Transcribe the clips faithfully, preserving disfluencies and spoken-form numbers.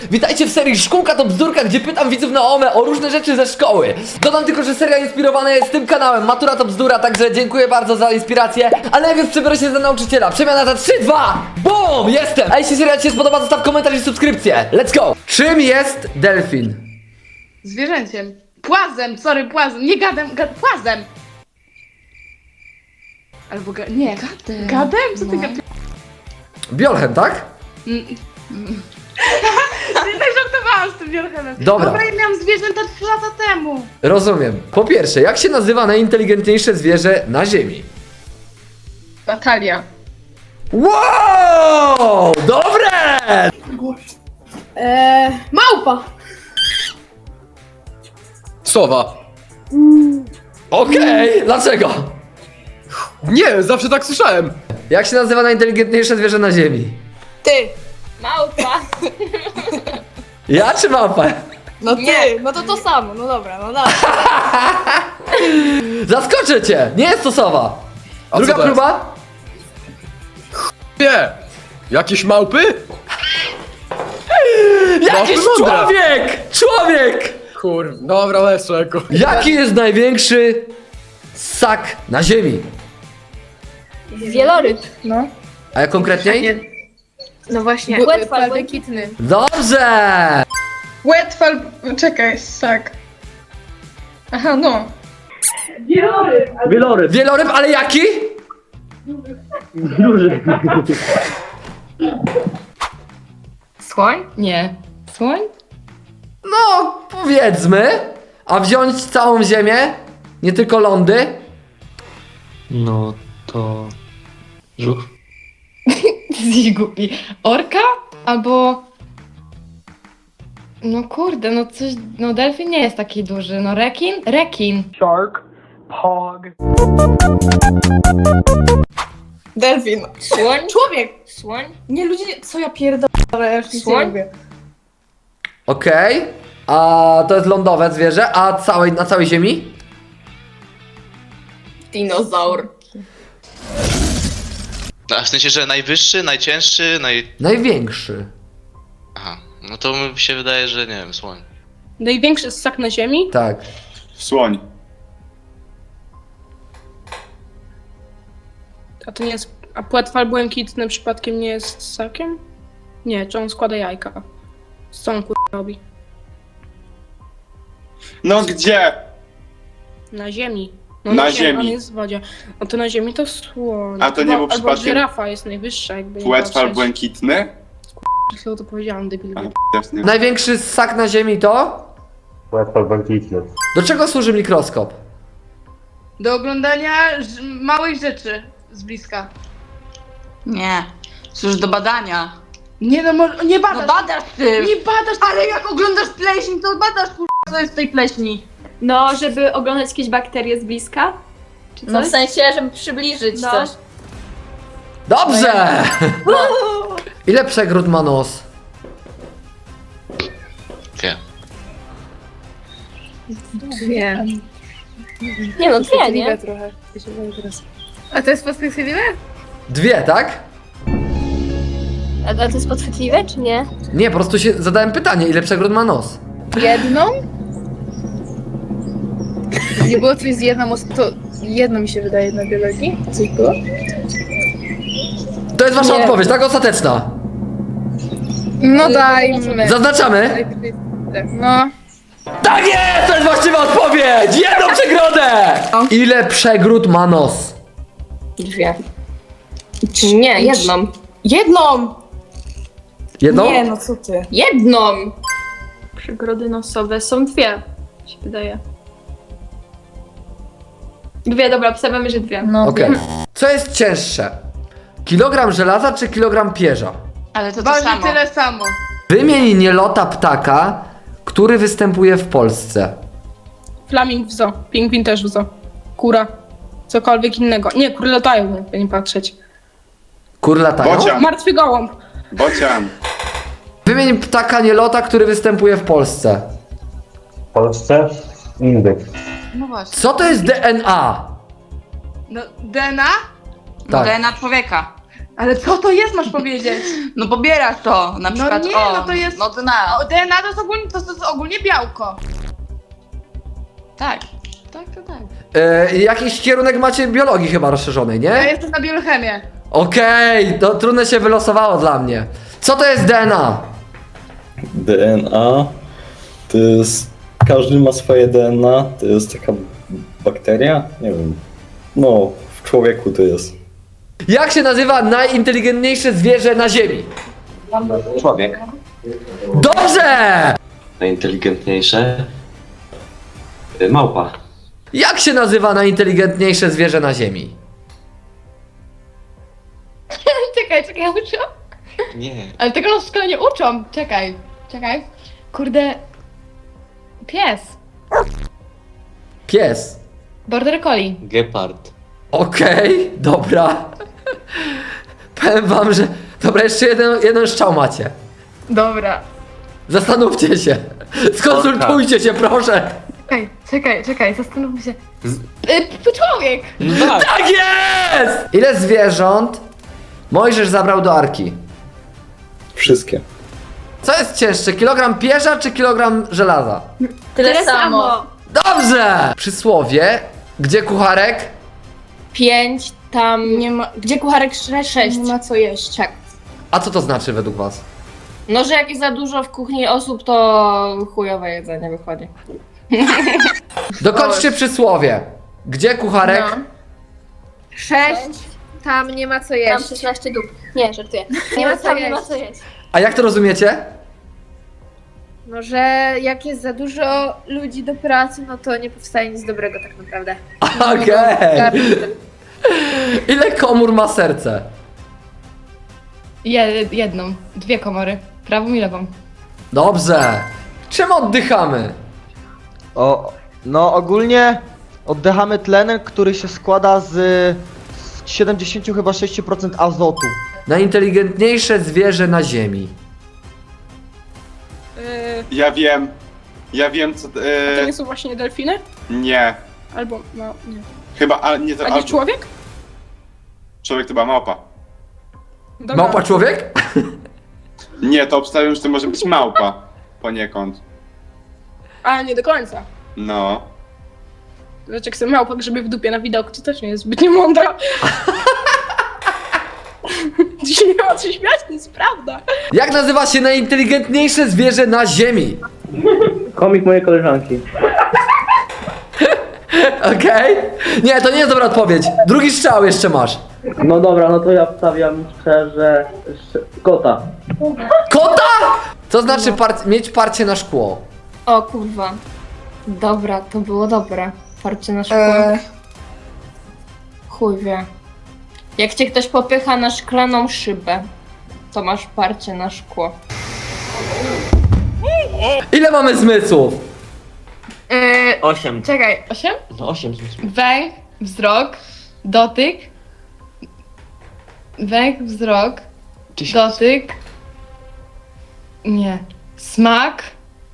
Witajcie w serii Szkółka to bzdurka, gdzie pytam widzów na OME o różne rzeczy ze szkoły. Dodam tylko, że seria inspirowana jest tym kanałem Matura to bzdura, także dziękuję bardzo za inspirację. Ale najpierw przebiorę się za nauczyciela. Przemiana za trzy, dwa, BUM! Jestem! A jeśli seria ci się spodoba, zostaw komentarz i subskrypcję. Let's go! Czym jest delfin? Zwierzęciem. Płazem, sorry, płazem. Nie gadem, gad, płazem. Albo ga, nie. Gadem. Gadem? Co ty No. gadasz? Biolchem, tak? Mm. Ty tak żartowałam z tym wielchemem. Dobra. Dobra, ja miałam zwierzęta trzy lata temu. Rozumiem. Po pierwsze, jak się nazywa najinteligentniejsze zwierzę na Ziemi? Natalia. Wow! Dobre! Eee, małpa! Sowa. Okej, dlaczego? Nie, zawsze tak słyszałem. Jak się nazywa najinteligentniejsze zwierzę na Ziemi? Ty! Małpa! Ja czy małpa? No ty! No to to samo, no dobra, no dobra. Zaskoczę cię! Nie jest to sowa! A Druga co to jest? próba? Nie. Jakieś małpy? Jakiś No, mądre. człowiek! Człowiek! Kur... Dobra, Leszek. Jaki jest największy ssak na Ziemi? Wieloryb. No. A jak konkretniej? No właśnie. Łetwal błękitny. Dobrze! Łetwal... Czekaj, ssak. Aha, no. Wieloryb. Wieloryb, ale jaki? Słoń? Nie. Słoń? No, powiedzmy. A wziąć całą Ziemię? Nie tylko lądy? No to... Żuch? Jesteś głupi. Orka? Albo... No kurde, no coś... No delfin nie jest taki duży. No rekin? Rekin. Delfin. Słoń? Człowiek! Słoń? Nie ludzie, co ja pierdolę, ja już nic nie Słoń? lubię. Okej. A to jest lądowe zwierzę, a całej, na całej Ziemi? Dinozaur. A w sensie, że najwyższy, najcięższy, naj... Największy. Aha, no to mi się wydaje, że nie wiem, słoń. Największy ssak na ziemi? Tak. Słoń. A to nie jest... A płetwal błękitny przypadkiem nie jest ssakiem? Nie, czy on składa jajka? Co on kur... robi? No gdzie? Na ziemi. No Na On ziemi. jest w wodzie. No to na ziemi to słoń. A to nie Albo- był Albo przypadkiem żyrafa jest najwyższa, jakby nie Płetwal patrzeć. błękitny? Co to powiedziałam, debil. A, jasne. Największy ssak na Ziemi to? Łatwo błękitny. Do czego służy mikroskop? Do oglądania ż- małych rzeczy z bliska. Nie, służy do badania. Nie no, może, nie badasz. No badasz ty! Nie badasz, Ale jak oglądasz pleśń, to badasz kur... co jest w tej pleśni. No, żeby oglądać jakieś bakterie z bliska? Czy coś? No w sensie, żeby przybliżyć No. coś. Dobrze! Ile przegród ma nos? Wie. Dwie. Nie no, dwie, nie? trochę. A to jest perspektywiwe? Dwie, tak? A, a to jest podchwytliwe, czy nie? Nie, po prostu się zadałem pytanie, ile przegród ma nos? Jedną? Nie było coś z jedną, os- to jedno mi się wydaje na biologii. Coś było? To jest wasza Nie. odpowiedź, tak? Ostateczna. No dajmy. Zaznaczamy? No. Tak jest! To jest właściwa odpowiedź! Jedną przegrodę! Ile przegród ma nos? Dwie. Nie, jedną. Jedną! Jedną? Nie, no co ty. Jedną! Przegrody nosowe są dwie, się wydaje. Dwie, dobra, obstawiamy, że dwie. No. Okej. Co jest cięższe? Kilogram żelaza czy kilogram pierza? Ale to to Waży samo. tyle samo. Wymień nielota ptaka, który występuje w Polsce. Flaming w zoo, pingwin też w zoo. Kura. Cokolwiek innego. Nie, kury latają, jakby nie patrzeć. Kur latają? Bocian. Martwy gołąb. Bocian. Wymień ptaka nielota, który występuje w Polsce. W Polsce indyk. No właśnie. Co to jest D N A? No, D N A? No Tak. D N A człowieka. Ale co to jest, masz powiedzieć? No pobierasz to, na No przykład nie, o, no to jest- no to na, O, D N A to jest ogólnie, to, to jest ogólnie białko. tak, tak, to tak. E, jakiś kierunek macie biologii chyba rozszerzonej, nie? Ja jestem na biochemię. Okej, to trudne się wylosowało dla mnie. Co to jest D N A? D N A to jest... Każdy ma swoje D N A, to jest taka bakteria? Nie wiem. No, w człowieku to jest. Jak się nazywa najinteligentniejsze zwierzę na Ziemi? Człowiek. Dobrze! Najinteligentniejsze? Małpa. Jak się nazywa najinteligentniejsze zwierzę na Ziemi? Czekaj, czekaj, uczą? Nie. Ale tego nas w szkole nie uczą. Czekaj, czekaj. Kurde... Pies. Pies. Border Collie. Gepard. Okej, dobra. Powiem wam, że... Dobra, jeszcze jeden, jeden strzał macie. Dobra. Zastanówcie się. Skonsultujcie się, proszę. Czekaj, czekaj, czekaj, zastanówmy się. Y, człowiek! No tak. Tak jest! Ile zwierząt Mojżesz zabrał do arki? Wszystkie. Co jest cięższe, kilogram pierza czy kilogram żelaza? Tyle, samo. Dobrze! Przysłowie, gdzie kucharek? Pięć, tam nie ma... Gdzie kucharek sze- sześć? Nie ma co jeść. Tak. A co to znaczy według was? No, że jak jest za dużo w kuchni osób, to chujowe jedzenie wychodzi. Dokończcie przysłowie. Gdzie kucharek? No. Sześć. Tam nie ma co jeść. szesnaście dup. Nie, żartuję. Nie ma co tam nie jeść. ma co jeść. A jak to rozumiecie? No, że jak jest za dużo ludzi do pracy, no to nie powstaje nic dobrego tak naprawdę. Okej. Ile komór ma serce? Je, jedną, dwie komory. Prawą i lewą. Dobrze. Czym oddychamy? O, no ogólnie oddychamy tlenem, który się składa z, z siedemdziesiąt chyba sześć procent azotu. Najinteligentniejsze zwierzę na ziemi. Ja wiem, ja wiem co, To e, nie są właśnie delfiny? nie, Albo, no, nie. chyba, a nie, to, A nie albo, człowiek? człowiek to była małpa. Dobra. Małpa człowiek? Nie, to obstawiam, że to może być małpa, poniekąd, A, nie do końca. no. Znaczy, jak sobie małpa grzyby w dupie na widoku, to też nie jest zbyt niemądra. Dzisiaj nie ma co śmiać, to jest prawda. Jak nazywa się najinteligentniejsze zwierzę na ziemi? Komik mojej koleżanki. Okej? Nie, to nie jest dobra odpowiedź. Drugi strzał jeszcze masz. No dobra, no to ja wstawiam szczerze kota. Kota? Co znaczy par- mieć parcie na szkło? O kurwa. Dobra, to było dobre. Parcie na szkło. Chuj wie. Jak cię ktoś popycha na szklaną szybę, to masz parcie na szkło. Ile mamy zmysłów? Yy, Osiem. czekaj. Osiem? No osiem. Węch, wzrok, dotyk. Węch, wzrok, dotyk. Nie. Smak.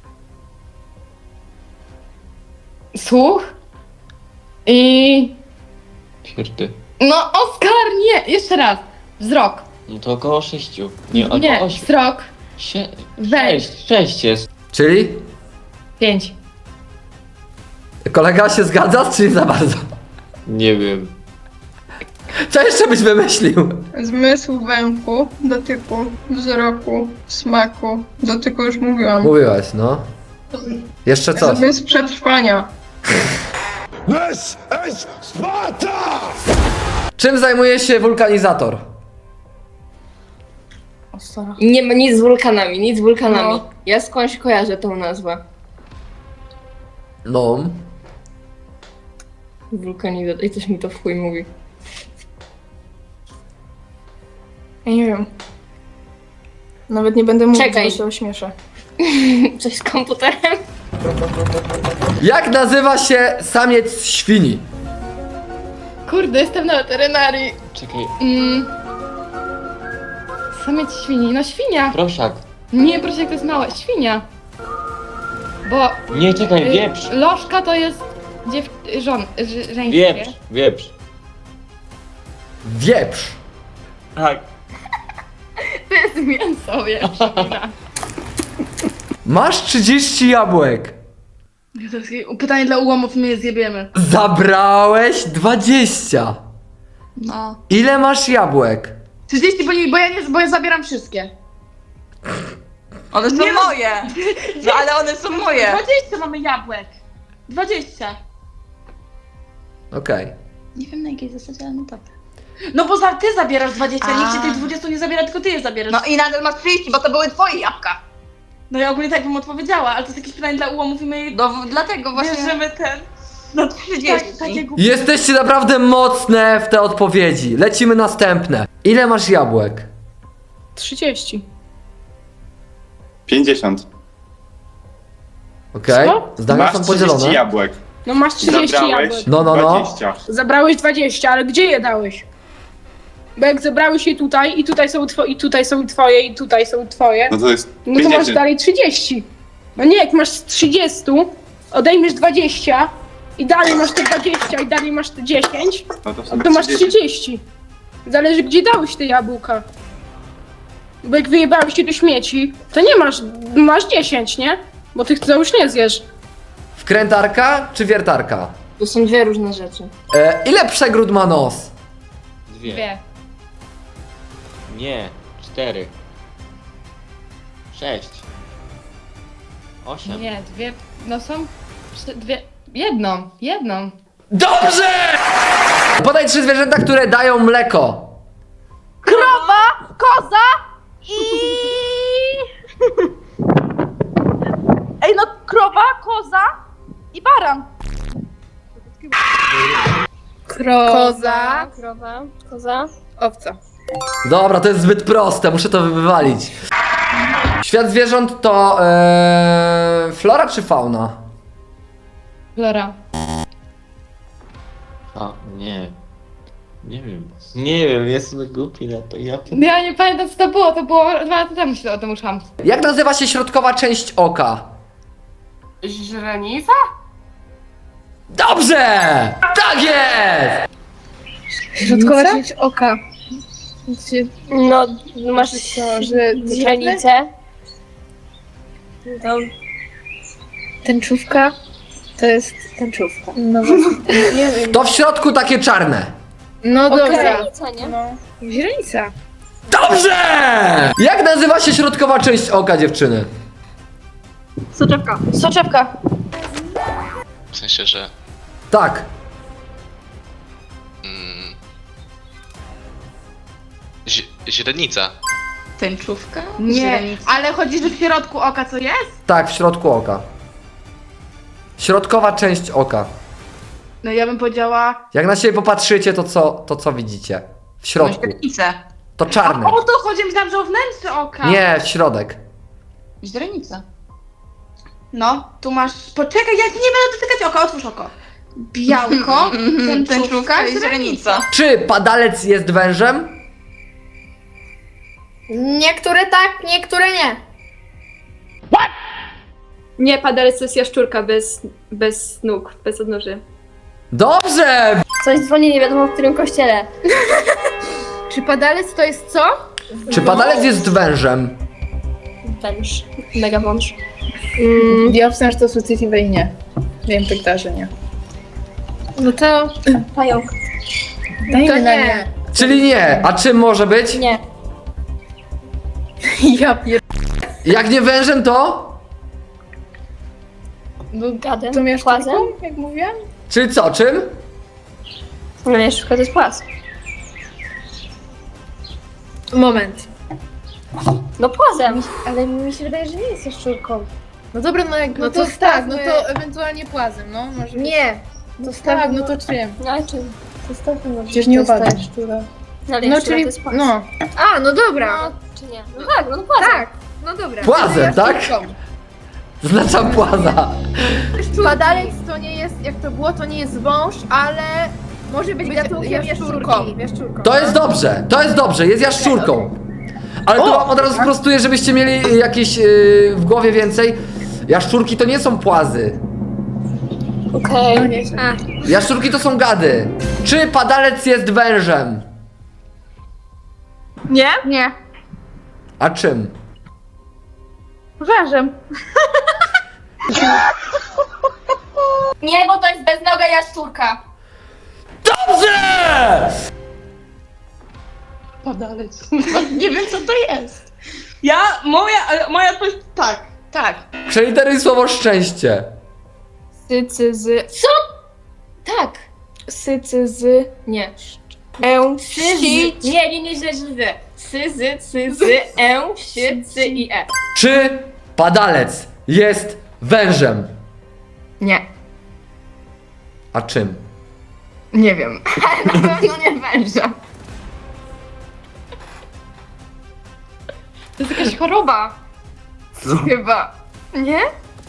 Słuch. I... Pierdy. No, Oskar, nie! Jeszcze raz. Wzrok. No to około sześciu. Nie, Nie, wzrok. Sie... Węch. Sześć jest. Czyli? Pięć. Kolega się zgadza, czy nie za bardzo? Nie wiem. Co jeszcze byś wymyślił? Zmysł węchu, dotyku, wzroku, smaku. Dotyku już mówiłam. Mówiłaś, no. Jeszcze coś. Zmysł przetrwania. Czym zajmuje się wulkanizator? Nie ma nic z wulkanami, nic z wulkanami. No. Ja skądś kojarzę tą nazwę. No. Wulkanizator. I coś mi to w chuj mówi. Ja nie wiem. Nawet nie będę mówić, Czekaj. bo się ośmieszę. Coś z komputerem? Jak nazywa się samiec świni? Kurde, jestem na weterynarii. Czekaj. Mm. Samiec świni. No świnia. Proszak. Nie, proszę, jak to jest małe. Świnia. Bo Nie, czekaj, y, wieprz. lożka to jest dziew... żon... ż- żeńskie. Wieprz. Wieprz. Wieprz. Tak. To jest mięso, jak przypomina. Masz trzydzieści jabłek. To jest pytanie dla ułomów, my je zjebiemy. Zabrałeś dwadzieścia. No. Ile masz jabłek? trzydzieści, bo, nie, bo, ja nie, bo ja zabieram wszystkie. One są Nie no. moje! No ale one są moje! dwadzieścia mamy jabłek. dwadzieścia. Okej. Nie wiem na jakiej zasadzie, ale no dobra. No bo za, ty zabierasz dwadzieścia, A. nikt ci tych dwudziestu nie zabiera, tylko ty je zabierasz. No i nadal masz trzydzieści, bo to były twoje jabłka. No ja ogólnie tak bym odpowiedziała, ale to jest jakieś pytanie dla ułomów i my No w- dlatego właśnie bierzemy ten... na Tak, trzydzieści. takie głupie. Jesteście naprawdę mocne w te odpowiedzi. Lecimy następne. Ile masz jabłek? trzydzieści. pięćdziesiąt. Okej. Co? Zdania Masz są trzydzieści podzielone. jabłek. No masz trzydzieści Zabrałeś jabłek. No, no, no. dwadzieścia. Zabrałeś dwadzieścia, ale gdzie je dałeś? Bo jak zebrałeś je tutaj i tutaj są twoje, i tutaj są twoje, i tutaj są twoje, No to jest no to masz pięćdziesiąt. dalej trzydzieści. No nie, jak masz z trzydziestu, odejmiesz dwadzieścia i dalej masz te dwadzieścia i dalej masz te dziesięć, No to, w no sumie to masz trzydzieści. trzydzieści. Zależy gdzie dałeś te jabłka. Bo jak wyjebałeś je do śmieci, to nie masz, masz dziesięć, nie? Bo tych to już nie zjesz. Wkrętarka czy wiertarka? To są dwie różne rzeczy. E, ile przegród ma nos? Dwie. Dwie. Nie, cztery. Sześć. Osiem. Nie, dwie. No są. trzy- Dwie. Jedną, jedną. Dobrze! Podaj trzy zwierzęta, które dają mleko. Krowa, koza i... Ej no, krowa, koza i baran. Koza, Krowa, koza. owca. Dobra, to jest zbyt proste, muszę to wywalić. Świat zwierząt to e, flora czy fauna? Flora. A, nie. Nie wiem. Nie wiem, jestem głupi na to. Ja Ja nie pamiętam co to było, to było dwa lata temu się o tym uczyłam. Jak nazywa się środkowa część oka? Źrenica? Dobrze! Tak jest! Środkowa część oka. No, masz że źrenicę. No, Tęczówka to jest tęczówka. No właśnie. Nie wiem. To w środku takie czarne. No dobra. źrenica, nie? No. Źrenica. Dobrze! Jak nazywa się środkowa część oka, dziewczyny? Soczewka. Soczewka. W sensie, że... Tak. Mm, zi- źrenica. Tęczówka? Nie, ale chodzi, że w środku oka co jest? Tak, w środku oka. Środkowa część oka. No ja bym powiedziała... Jak na siebie popatrzycie, to co, to co widzicie? W środku. Źrenicę. To czarne. O to chodzi, myślałam, że o wnętrze oka. Nie, w środek. Źrenica. No, tu masz... Poczekaj, ja nie będę dotykać oka, otwórz oko. Białko, tęczówka i źrenica. Czy padalec jest wężem? Niektóre tak, niektóre nie. Nie, padalec to jest jaszczurka bez, bez nóg, bez odnóży. Dobrze! Coś dzwoni nie wiadomo w którym kościele. Czy padalec to jest co? Czy padalec jest wężem? Węż. Mega wąż. Ja obstawiam, że to sucytiwe i nie. Wiem tak, że nie. No to... Pająk. Dajmy to nie. Czyli nie. A czym może być? Nie. Ja pier... Jak nie wężem, to? Gadem. To miałeś Płazem. jak mówiłam? Czyli co, czym? No jaszczurka to jest płaz. Moment. No płazem. Ale mi się wydaje, że nie jest jaszczurką. No dobra, no jak... No, to, tak, no to ewentualnie płazem, no może Nie. To tak, no to czym? No ale czym? To jest tak, no. Przecież nie uważasz. No, ale No jaszczura czyli... to jest płaz. No. A, no dobra. No, czy nie? No tak, no płazem. Tak, no dobra. Płazem, tak? Jaszczurką. Znaczam płaza. Padalec to nie jest, jak to było, to nie jest wąż, ale może być gatunkiem jaszczurką. jaszczurką. To jest dobrze, to jest dobrze, jest jaszczurką. Ale to wam od razu sprostuję, żebyście mieli jakieś yy, w głowie więcej. Jaszczurki to nie są płazy. Okej. A, Jaszczurki to są gady. Czy padalec jest wężem? Nie? nie. A czym? Wężem. Nie, bo to jest beznoga jaszczurka. Dobrze! Padalec. Nie wiem co to jest. Ja, moja, moja odpowiedź tak, tak. Przeliteruj słowo szczęście. Sycyzy. Co? Tak. Sycyzy. Nie. E. Syzy. Nie, nie, nie, źle, źle. Syzy, cyzy, e, sy, cy i e. Czy padalec jest wężem? Nie, A czym? nie wiem. Ale na pewno nie węża. To jest jakaś choroba. Chyba. Nie?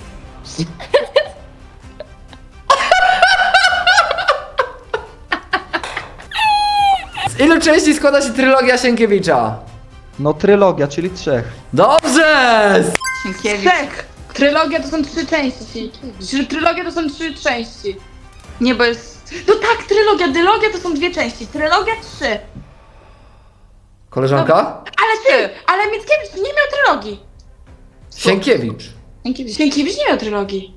Z ilu części składa się trylogia Sienkiewicza? No trylogia, czyli trzech. Dobrze! Trzech. Trylogia to są trzy części. Trzy- Trylogia to są trzy części. Nie, bo jest... No tak, trylogia, dylogia to są dwie części. Trylogia trzy. Koleżanka? Ale ty, ale Mickiewicz nie miał trylogii. Sienkiewicz. Sienkiewicz nie miał trylogii.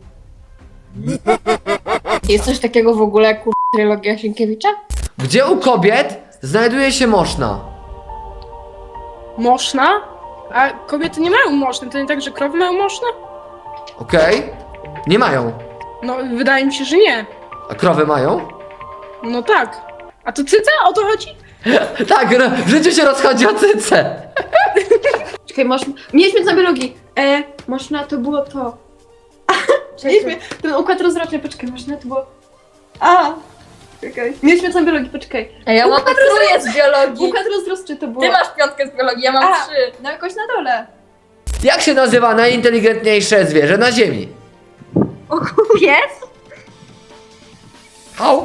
Jest coś takiego w ogóle jak kur... trylogia Sienkiewicza? Gdzie u kobiet znajduje się moszna? Moszna? A kobiety nie mają moszny, to nie tak, że krowy mają moszne? Okej? Nie mają. No, wydaje mi się, że nie. A krowy mają? No tak. A to cyca? O to chodzi? Tak, ro- w życiu się rozchodzi o cyce. Czekaj, masz... Mieliśmy na biologii. E, można to było to. Mieliśmy ten układ rozrodczy, poczekaj, można to było... A, czekaj. Mieliśmy na biologii, poczekaj. A ja mam trójkę z biologii. Układ rozrodczy to było. Ty masz piątkę z biologii, ja mam A, trzy. no jakoś na dole. Jak się nazywa najinteligentniejsze zwierzę na ziemi? Pies? Au.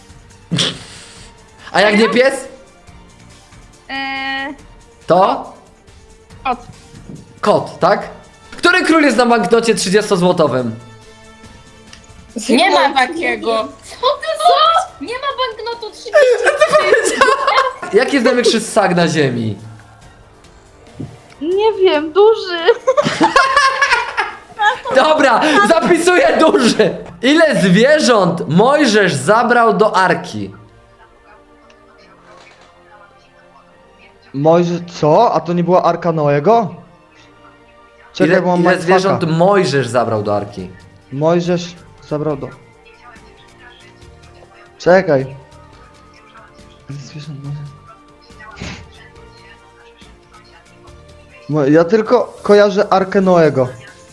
A jak nie pies? Eee... To? Kot. Kot, tak? Który król jest na banknocie trzydziestozłotowym? Nie ma takiego. Co ty co? Nie ma banknotu trzydzieści. Jaki jest największy ssak na ziemi? Nie wiem, duży. Dobra, zapisuję duży. Ile zwierząt Mojżesz zabrał do arki? Mojżesz, co? A to nie była Arka Noego? Czekaj, Ile, bo mam ile mindfucka. zwierząt Mojżesz zabrał do arki? Mojżesz zabrał do... Czekaj. Ile zwierząt Mojżesz- Mo- Ja tylko kojarzę Arkę Noego.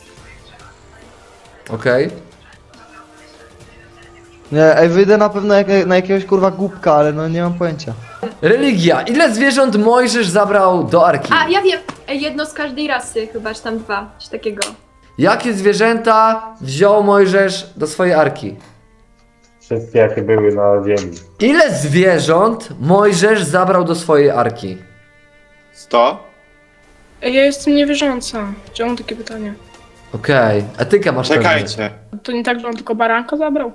Okej. Nie, ej, wyjdę na pewno jak, na jakiegoś kurwa głupka, ale no nie mam pojęcia. Religia. Ile zwierząt Mojżesz zabrał do arki? A, ja wiem. E, jedno z każdej rasy chyba, czy tam dwa, coś takiego. Jakie zwierzęta wziął Mojżesz do swojej arki? Wszystkie jakie były na ziemi. Ile zwierząt Mojżesz zabrał do swojej arki? sto? Ej, ja jestem niewierząca. Czy mam takie pytanie? Okej, etykę masz pewnie. Czekajcie. To nie tak, że on tylko baranka zabrał?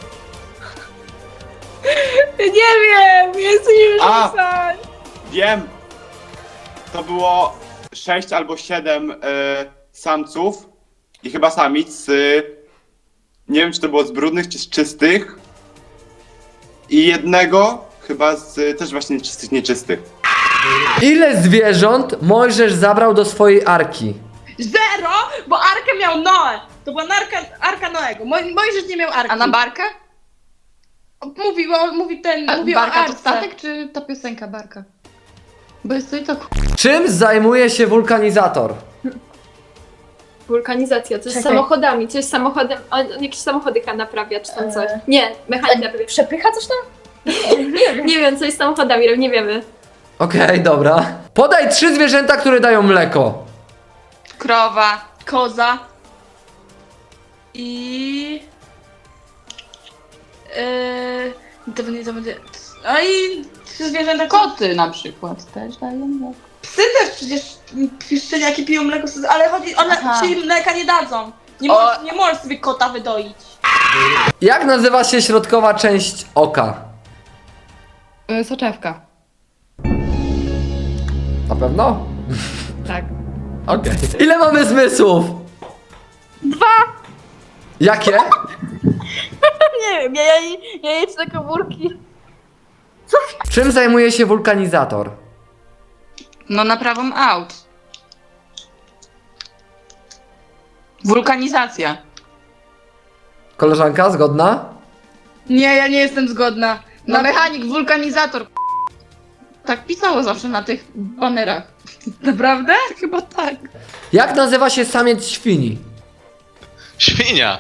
Nie wiem, jestem niewierząca. Wiem. To było sześć albo siedem y, samców i chyba samic. Y, nie wiem, czy to było z brudnych, czy z czystych. I jednego chyba z też właśnie czystych, nieczystych. Ile zwierząt Mojżesz zabrał do swojej arki? Zero, bo Arkę miał Noe. To była narka, Arka Noego. Moj, Mojżesz nie miał Arki. A na barkę? Mówi, o, mówi ten, A mówi barka o to Arce. statek, czy ta piosenka barka? Bo jest to i to k- Czym zajmuje się wulkanizator? Wulkanizacja, coś z Czekaj. samochodami, coś z samochodem, on jakieś samochody chyba naprawia, czy tam coś. Nie, mechanik naprawia. Przepycha coś tam? Nie wiem, coś z samochodami, robi, nie wiemy. Okej, dobra. Podaj trzy zwierzęta, które dają mleko. Krowa, koza i... Yy, to będzie, to będzie... A i trzy zwierzęta... Koty na przykład też dają mleko. Psy też przecież szczeniaki piją mleko, z- ale chodzi, one Aha. czyli mleka nie dadzą. Nie, O. możesz, nie możesz sobie kota wydoić. Jak nazywa się środkowa część oka? Y, Soczewka. Na pewno? Tak. Okej. Ile mamy zmysłów? Dwa! Jakie? Nie wiem, ja, ja, ja jedź na komórki. Czym zajmuje się wulkanizator? No naprawą aut. Wulkanizacja. Koleżanka, zgodna? Nie, ja nie jestem zgodna. No mechanik, wulkanizator. Tak pisało zawsze na tych banerach. Naprawdę? Chyba tak. Jak nazywa się samiec świni? Świnia!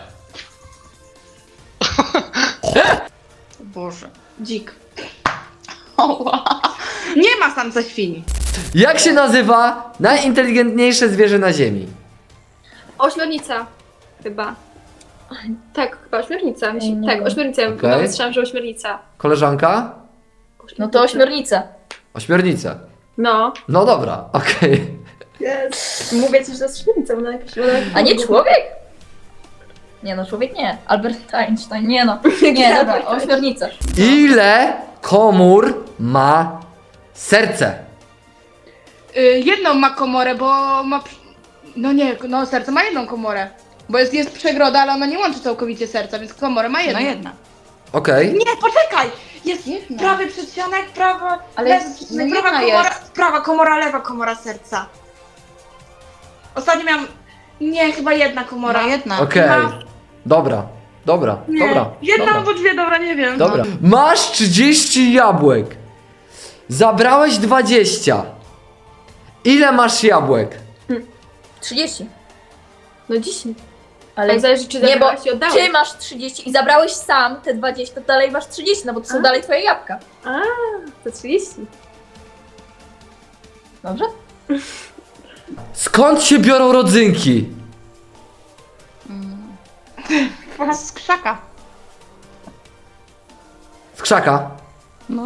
Boże, dzik. Oła. Nie ma samca świni. Jak się nazywa najinteligentniejsze zwierzę na ziemi? Ośmiornica. Chyba. Tak, chyba ośmiornica. Myśl... Tak, ośmiornica. Okej. Okay. Słyszałam, że ośmiornica. Koleżanka? No to ośmiornica. Ośmiornica. No. No dobra, okej. Yes. Mówię ci, że to jest ośmiornica. Ona jakaś... A nie człowiek? Nie no, człowiek nie. Albert Einstein, nie no. Nie, dobra, ośmiornica. Ile komór ma serce? Y, jedną ma komorę, bo ma... No nie, no serce ma jedną komorę. Bo jest, jest przegroda, ale ona nie łączy całkowicie serca, więc komorę ma jedną. No jedna. Okej. Nie, poczekaj! Jest prawy przedsionek, prawa... Ale lewa, jest- no prawa jedna komora, jest. prawa komora, lewa komora serca. Ostatnio miałam... Nie, chyba jedna komora. jedna. Okej. Dobra, dobra, Nie, dobra. jedna dobra. albo dwie, dobra, nie wiem. Dobra. Masz trzydzieści jabłek. Zabrałeś dwadzieścia. Ile masz jabłek? trzydzieści. No dziesięć. Ale Ale zależy, czy nie, bo zabrałeś i oddałeś. ty masz trzydzieści i zabrałeś sam te dwadzieścia, to dalej masz trzydzieści, no bo to są A. dalej twoje jabłka. A, to trzydzieści. Dobrze? Skąd się biorą rodzynki? Z krzaka. Z krzaka. No.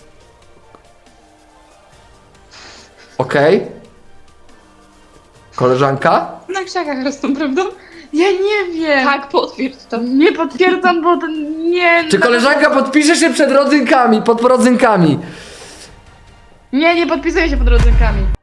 Okej. Koleżanka? Na krzakach rosną, prawda? Ja nie wiem. Tak, potwierdź to. Nie potwierdzam, bo to nie... Czy koleżanka podpisze się przed rodzynkami, pod rodzynkami? Nie, nie podpisuję się pod rodzynkami.